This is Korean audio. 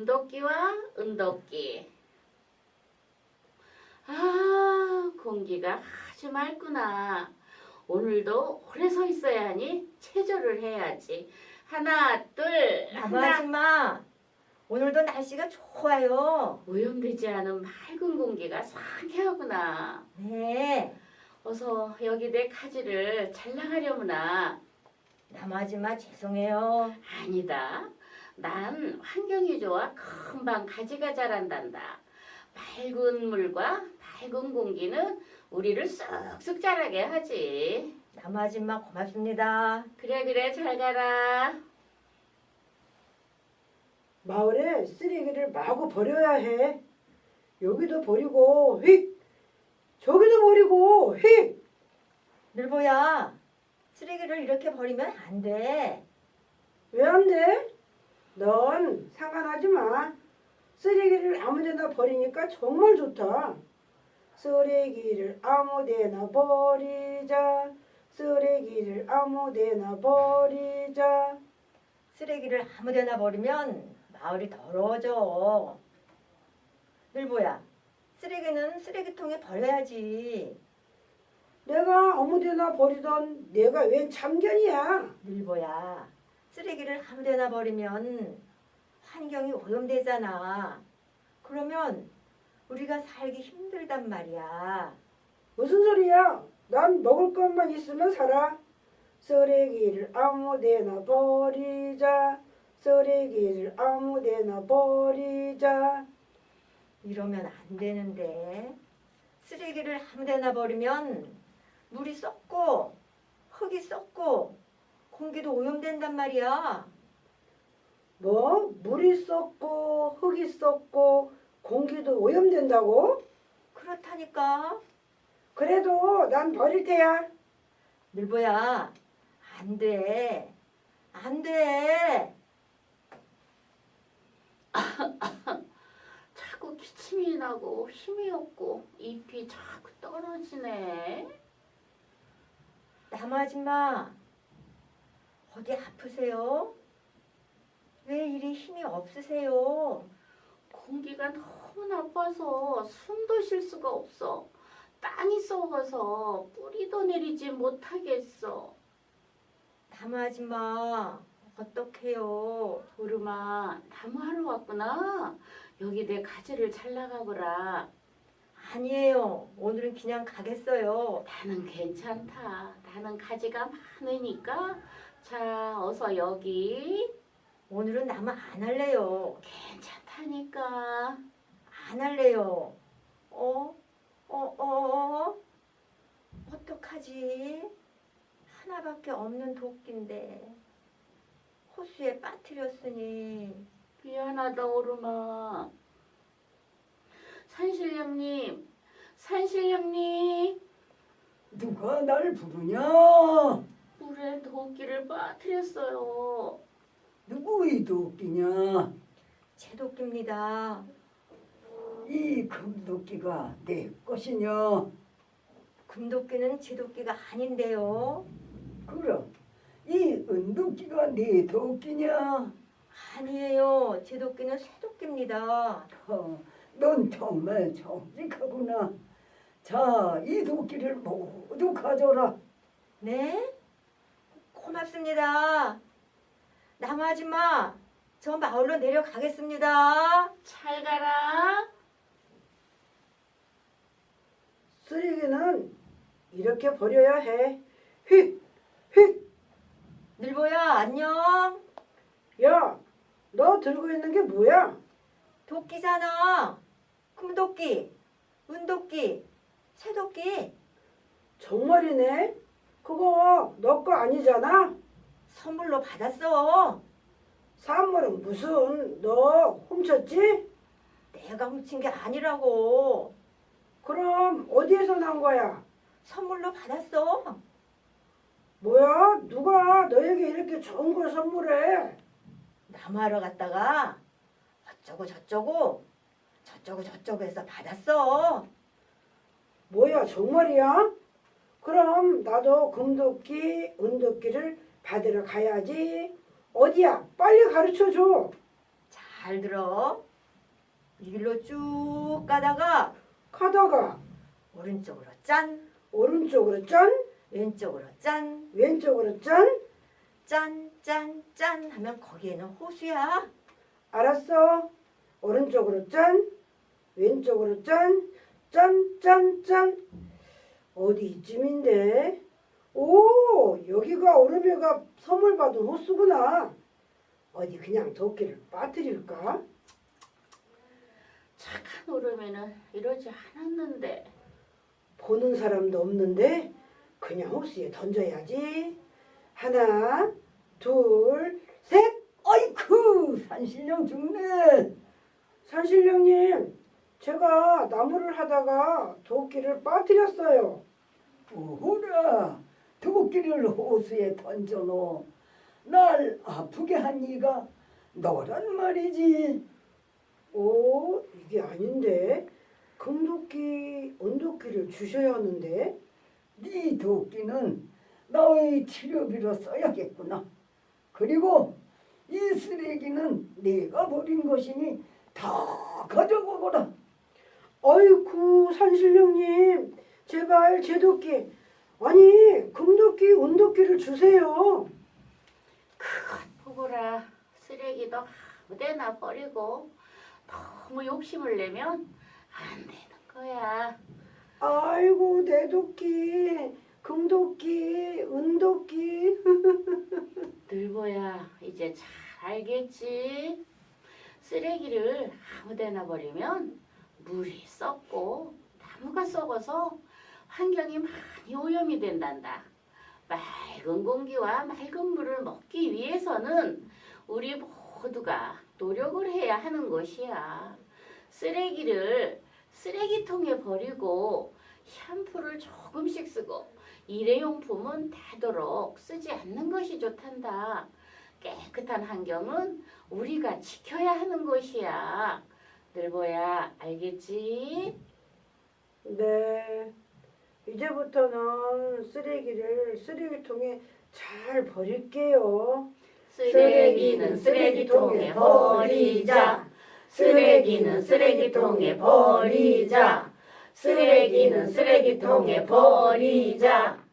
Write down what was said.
금도끼와 은도끼. 아, 공기가 아주 맑구나. 오늘도 오래 서 있어야 하니 체조를 해야지. 하나, 둘, 나무 하나. 아줌마, 오늘도 날씨가 좋아요. 오염되지 않은 맑은 공기가 상쾌하구나. 네, 어서 여기 내 가지를 잘 나가려무나. 나무 아줌마 죄송해요. 아니다. 난 환경이 좋아 금방 가지가 자란단다. 맑은 물과 맑은 공기는 우리를 쑥쑥 자라게 하지. 나무 아줌마 고맙습니다. 그래 그래 잘 가라. 마을에 쓰레기를 마구 버려야 해. 여기도 버리고 휙! 저기도 버리고 휙! 늘보야, 쓰레기를 이렇게 버리면 안 돼. 왜 안 돼? 넌 상관하지 마. 쓰레기를 아무데나 버리니까 정말 좋다. 쓰레기를 아무데나 버리자. 쓰레기를 아무데나 버리자. 쓰레기를 아무데나 버리면 마을이 더러워져. 늘보야, 쓰레기는 쓰레기통에 버려야지. 내가 아무데나 버리던 내가 웬 참견이야. 늘보야, 쓰레기를 아무데나 버리면 환경이 오염되잖아. 그러면 우리가 살기 힘들단 말이야. 무슨 소리야? 난 먹을 것만 있으면 살아. 쓰레기를 아무데나 버리자. 쓰레기를 아무데나 버리자. 이러면 안 되는데. 쓰레기를 아무데나 버리면 물이 썩고 흙이 썩고 공기도 오염된단 말이야. 뭐? 물이 썩고 흙이 썩고 공기도 오염된다고? 그렇다니까. 그래도 난 버릴 테야. 늘보야, 안 돼. 안 돼. 자꾸 기침이 나고 힘이 없고 잎이 자꾸 떨어지네. 나무 아줌마, 어디 아프세요? 왜 이리 힘이 없으세요? 공기가 너무 나빠서 숨도 쉴 수가 없어. 땅이 썩어서 뿌리도 내리지 못하겠어. 나무 아줌마, 어떡해요? 보름아, 나무하러 왔구나. 여기 내 가지를 잘 나가거라. 아니에요. 오늘은 그냥 가겠어요. 나는 괜찮다. 나는 가지가 많으니까. 자, 어서 여기. 오늘은 나무 안 할래요. 괜찮다니까. 안 할래요. 어떡하지? 하나밖에 없는 도끼인데 호수에 빠뜨렸으니. 미안하다, 오름아. 산신령님, 산신령님. 누가 날 부르냐? 물에 도끼를 빠뜨렸어요. 누구의 도끼냐? 제 도끼입니다. 이 금도끼가 내 것이냐? 금도끼는 제 도끼가 아닌데요. 그럼 이 은도끼가 네 도끼냐? 아니에요. 제 도끼는 새 도끼입니다. 넌 정말 정직하구나. 자, 이 도끼를 모두 가져라. 네? 고맙습니다. 나무 아줌마, 저 마을로 내려가겠습니다. 잘 가라. 쓰레기는 이렇게 버려야 해. 휙! 휙! 늘보야, 안녕. 야, 너 들고 있는 게 뭐야? 도끼잖아. 금도끼, 은도끼, 새도끼. 정말이네? 그거 너 거 아니잖아? 선물로 받았어. 선물은 무슨 너 훔쳤지? 내가 훔친 게 아니라고. 그럼 어디에서 난 거야? 선물로 받았어. 뭐야? 누가 너에게 이렇게 좋은 걸 선물해? 나무하러 갔다가 어쩌고 저쩌고 해서 받았어. 뭐야, 정말이야? 그럼 나도 금도끼, 은도끼를 받으러 가야지. 어디야? 빨리 가르쳐 줘. 잘 잘 들어. 이 길로 쭉 가다가 가다가 오른쪽으로 짠, 오른쪽으로 짠, 왼쪽으로 짠, 왼쪽으로 짠. 짠, 짠, 짠 하면 거기에는 호수야. 알았어. 오른쪽으로 짠, 왼쪽으로 짠, 짠, 짠, 짠. 어디 이쯤인데? 오, 여기가 오르메가 선물 받은 호수구나. 어디 그냥 도끼를 빠뜨릴까? 착한 오름에는 이러지 않았는데. 보는 사람도 없는데 그냥 호수에 던져야지. 하나, 둘, 셋. 아이쿠 산신령 죽네. 산신령님, 제가 나무를 하다가 도끼를 빠뜨렸어요. 오호라 도끼를 호수에 던져놓어 날 아프게 한 이가 너란 말이지. 오, 이게 아닌데. 금도끼, 은도끼를 주셔야 하는데. 네 도끼는 나의 치료비로 써야겠구나. 그리고 이 쓰레기는 네가 버린 것이니 다 가져가거라. 아이쿠, 산신령님, 제발 제 도끼, 아니 금도끼, 은도끼를 주세요. 그것 보거라. 쓰레기도 아무데나 버리고 너무 욕심을 내면 안 되는 거야. 아이고, 내 도끼, 금도끼, 은도끼. 늘보야, 이제 잘 알겠지? 쓰레기를 아무데나 버리면 물이 썩고 나무가 썩어서 환경이 많이 오염이 된단다. 맑은 공기와 맑은 물을 먹기 위해서는 우리 모두가 노력을 해야 하는 것이야. 쓰레기를 쓰레기통에 버리고 샴푸를 조금씩 쓰고 일회용품은 되도록 쓰지 않는 것이 좋단다. 깨끗한 환경은 우리가 지켜야 하는 것이야. 늘보야, 알겠지? 네, 이제부터는 쓰레기를 쓰레기통에 잘 버릴게요. 쓰레기는 쓰레기통에 버리자. 쓰레기는 쓰레기통에 버리자. 쓰레기는 쓰레기통에 버리자.